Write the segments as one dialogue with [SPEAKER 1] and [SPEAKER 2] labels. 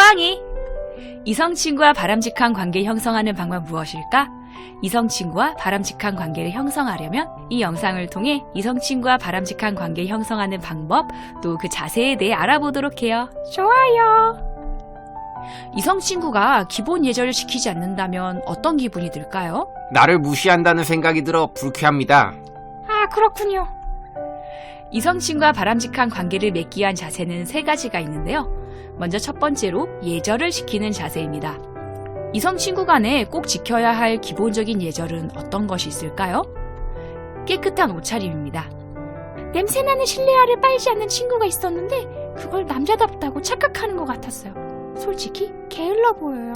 [SPEAKER 1] 또왕이! 이성 친구와 바람직한 관계 형성하는 방법 무엇일까? 이성 친구와 바람직한 관계를 형성하려면 이 영상을 통해 이성 친구와 바람직한 관계 형성하는 방법, 또 그 자세에 대해 알아보도록 해요. 좋아요. 이성 친구가 기본 예절을 지키지 않는다면 어떤 기분이 들까요?
[SPEAKER 2] 나를 무시한다는 생각이 들어 불쾌합니다.
[SPEAKER 1] 아, 그렇군요. 이성 친구와 바람직한 관계를 맺기 위한 자세는 3가지가 있는데요. 먼저 첫 번째로 예절을 지키는 자세입니다. 이성 친구 간에 꼭 지켜야 할 기본적인 예절은 어떤 것이 있을까요? 깨끗한 옷차림입니다. 냄새나는 실내화를 빨지 않는 친구가 있었는데 그걸 남자답다고 착각하는 것 같았어요. 솔직히 게을러 보여요.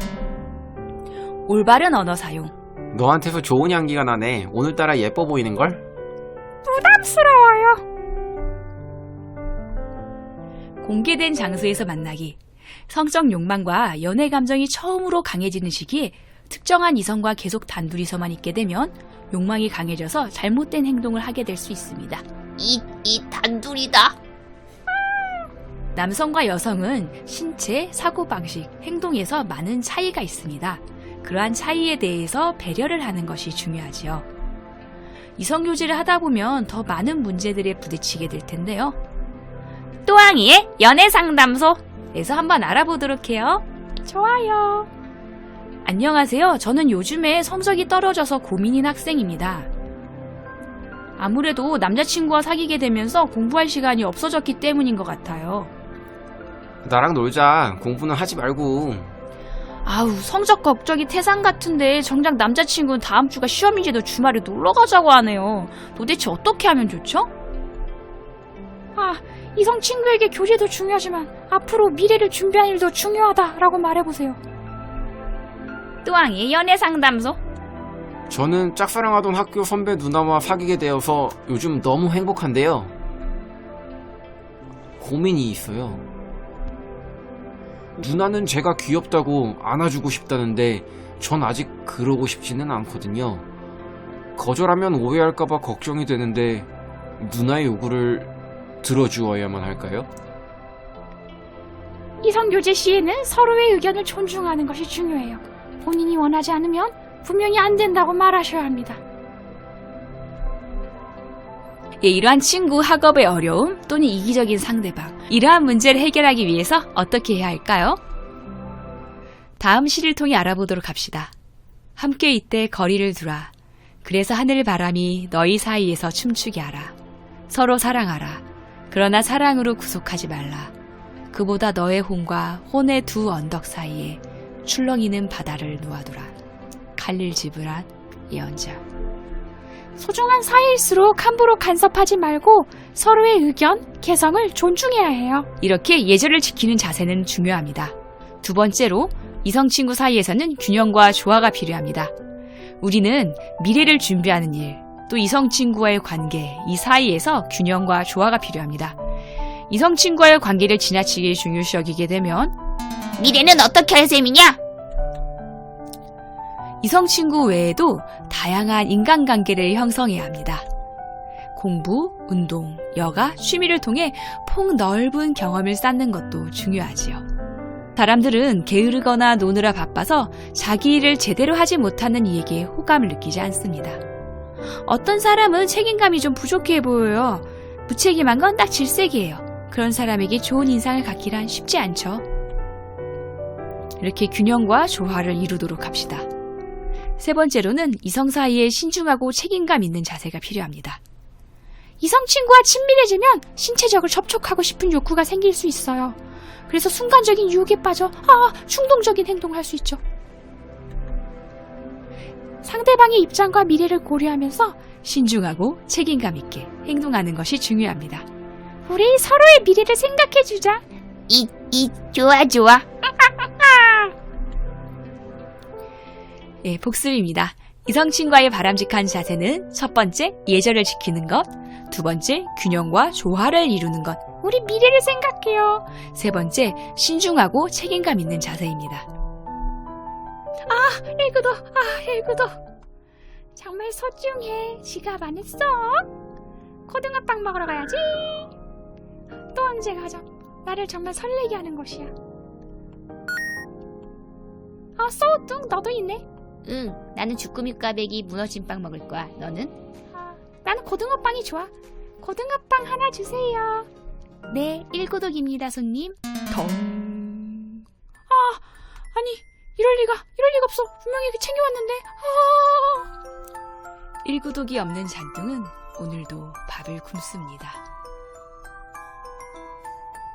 [SPEAKER 1] 올바른 언어 사용.
[SPEAKER 2] 너한테서 좋은 향기가 나네. 오늘따라 예뻐 보이는걸?
[SPEAKER 1] 부담스러워요. 공개된 장소에서 만나기. 성적 욕망과 연애 감정이 처음으로 강해지는 시기에 특정한 이성과 계속 단둘이서만 있게 되면 욕망이 강해져서 잘못된 행동을 하게 될 수 있습니다.
[SPEAKER 3] 이 단둘이다.
[SPEAKER 1] 남성과 여성은 신체, 사고방식, 행동에서 많은 차이가 있습니다. 그러한 차이에 대해서 배려를 하는 것이 중요하지요. 이성교제를 하다 보면 더 많은 문제들에 부딪히게 될 텐데요. 또왕이의 연애상담소에서 한번 알아보도록 해요. 좋아요. 안녕하세요. 저는 요즘에 성적이 떨어져서 고민인 학생입니다. 아무래도 남자친구와 사귀게 되면서 공부할 시간이 없어졌기 때문인 것 같아요.
[SPEAKER 2] 나랑 놀자. 공부는 하지 말고.
[SPEAKER 1] 아우, 성적 걱정이 태산 같은데 정작 남자친구는 다음 주가 시험인지도 주말에 놀러 가자고 하네요. 도대체 어떻게 하면 좋죠? 아, 이성 친구에게 교제도 중요하지만 앞으로 미래를 준비하는 일도 중요하다라고 말해보세요. 또왕의 연애상담소.
[SPEAKER 2] 저는 짝사랑하던 학교 선배 누나와 사귀게 되어서 요즘 너무 행복한데요. 고민이 있어요. 누나는 제가 귀엽다고 안아주고 싶다는데 전 아직 그러고 싶지는 않거든요. 거절하면 오해할까봐 걱정이 되는데 누나의 요구를 들어주어야만 할까요?
[SPEAKER 1] 이성교제 시에는 서로의 의견을 존중하는 것이 중요해요. 본인이 원하지 않으면 분명히 안 된다고 말하셔야 합니다. 예, 이러한 친구, 학업의 어려움 또는 이기적인 상대방, 이러한 문제를 해결하기 위해서 어떻게 해야 할까요? 다음 시를 통해 알아보도록 합시다. 함께 이때 거리를 두라. 그래서 하늘 바람이 너희 사이에서 춤추게 하라. 서로 사랑하라. 그러나 사랑으로 구속하지 말라. 그보다 너의 혼과 혼의 두 언덕 사이에 출렁이는 바다를 놓아두라. 칼릴 지브란 예언자. 소중한 사이일수록 함부로 간섭하지 말고 서로의 의견, 개성을 존중해야 해요. 이렇게 예절을 지키는 자세는 중요합니다. 두 번째로 이성 친구 사이에서는 균형과 조화가 필요합니다. 우리는 미래를 준비하는 일, 또 이성 친구와의 관계, 이 사이에서 균형과 조화가 필요합니다. 이성 친구와의 관계를 지나치게 중요시 여기게 되면
[SPEAKER 3] 미래는 어떻게 할 셈이냐?
[SPEAKER 1] 이성 친구 외에도 다양한 인간관계를 형성해야 합니다. 공부, 운동, 여가, 취미를 통해 폭넓은 경험을 쌓는 것도 중요하지요. 사람들은 게으르거나 노느라 바빠서 자기 일을 제대로 하지 못하는 이에게 호감을 느끼지 않습니다. 어떤 사람은 책임감이 좀 부족해 보여요. 무책임한 건 딱 질색이에요. 그런 사람에게 좋은 인상을 갖기란 쉽지 않죠. 이렇게 균형과 조화를 이루도록 합시다. 세 번째로는 이성 사이에 신중하고 책임감 있는 자세가 필요합니다. 이성 친구와 친밀해지면 신체적으로 접촉하고 싶은 욕구가 생길 수 있어요. 그래서 순간적인 유혹에 빠져 충동적인 행동을 할 수 있죠. 상대방의 입장과 미래를 고려하면서 신중하고 책임감 있게 행동하는 것이 중요합니다. 우리 서로의 미래를 생각해주자.
[SPEAKER 3] 좋아.
[SPEAKER 1] 예, 복습입니다. 이성 친구와의 바람직한 자세는 첫 번째, 예절을 지키는 것. 두 번째, 균형과 조화를 이루는 것. 우리 미래를 생각해요. 세 번째, 신중하고 책임감 있는 자세입니다. 일구도. 정말 소중해. 지갑 안 했어? 고등어빵 먹으러 가야지. 또 언제 가죠? 나를 정말 설레게 하는 곳이야. 소우뚱 너도 있네.
[SPEAKER 3] 응, 나는 주꾸미 꽈배기 무너진 빵 먹을 거야. 너는?
[SPEAKER 1] 나는 고등어빵이 좋아. 고등어빵 하나 주세요. 네, 1고독입니다, 손님. 덩. 아니, 이럴 리가 없어. 분명히 챙겨왔는데. 1고독이 없는 잔뚱은 오늘도 밥을 굶습니다.